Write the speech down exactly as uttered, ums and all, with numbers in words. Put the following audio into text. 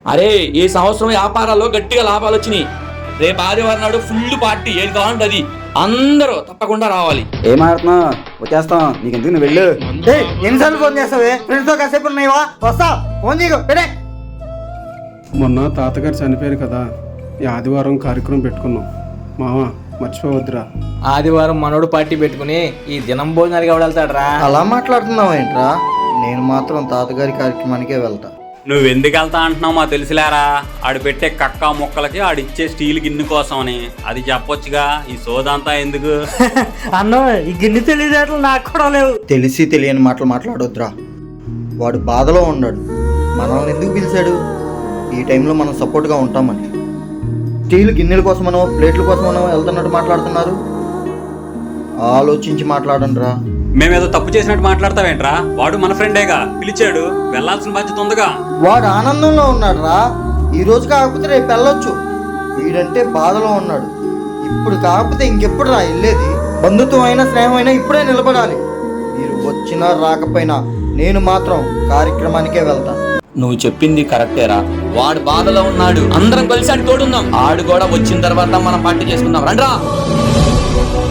అరే ఈ సంవత్సరం వ్యాపారాల్లో గట్టిగా లాభాలు వచ్చినాయి. రేపు ఆదివారం నాడు ఫుల్ పార్టీ, ఏది కావాలంటే అది. అందరూ తప్పకుండా రావాలి. ఏమాడుతున్నా వచ్చేస్తాం, నీకు ఎందుకు నువ్వు వెళ్ళు. ఎన్నిసార్లు ఫోన్ చేస్తావే? ఫ్రెండ్స్ తో కాసేపు ఉన్నాయివా? వస్తా, ఫోన్ చేయకు పెడే. మొన్న తాతగారు చనిపోయారు కదా, ఈ ఆదివారం కార్యక్రమం పెట్టుకున్నాం. మామ మర్చిపోవద్దురా. ఆదివారం మనోడు పార్టీ పెట్టుకుని ఈ దినం భోజనానికి ఎవడెళ్తాడ్రా? అలా మాట్లాడుతున్నావు ఏంట్రా? నేను మాత్రం తాతగారి కార్యక్రమానికే వెళ్తా. నువ్వు ఎందుకు వెళ్తా అంటున్నావు మా తెలుసులేరా. ఆడు పెట్టే కక్క మొక్కలకి ఆడిచ్చే స్టీల్ గిన్నె కోసం అని. అది చెప్పొచ్చుగా, ఈ సోదంతా ఎందుకు? అన్న ఈ గిన్నె తెలియదేట్లు నాకు కూడా లేవు. తెలిసి తెలియని మాటలు మాట్లాడొద్దురా. వాడు బాధలో ఉన్నాడు, మనల్ని ఎందుకు పిలిచాడు? ఈ టైంలో మనం సపోర్ట్గా ఉంటామని. స్టీల్ గిన్నెల కోసమనో ప్లేట్ల కోసమనో వెళ్తున్నట్టు మాట్లాడుతున్నారు. ఆలోచించి మాట్లాడండి రా. మేమేదో తప్పు చేసినట్టు మాట్లాడతావేంట్రా? వాడు మన ఫ్రెండేగా, పిలిచాడు, వెళ్లాల్సిన బాధ్యత ఉందిగా. వాడు ఆనందంలో ఉన్నాడు రా. ఈ రోజు కాకపోతే రేపు వెళ్ళొచ్చు. వీడంటే బాధలో ఉన్నాడు. ఇప్పుడు కాకపోతే ఇంకెప్పుడు రా వెళ్ళేది? బంధుత్వం అయినా స్నేహం అయినా ఇప్పుడే నిలబడాలి. మీరు వచ్చినా రాకపోయినా నేను మాత్రం కార్యక్రమానికే వెళ్తాను. నువ్వు చెప్పింది కరెక్టేరా. వాడు బాధలో ఉన్నాడు, అందరం కలిసి ఆడి తోడుందాం. ఆడు కూడా వచ్చిన తర్వాత మనం పార్టీ చేసుకుందాం. రండ్రా.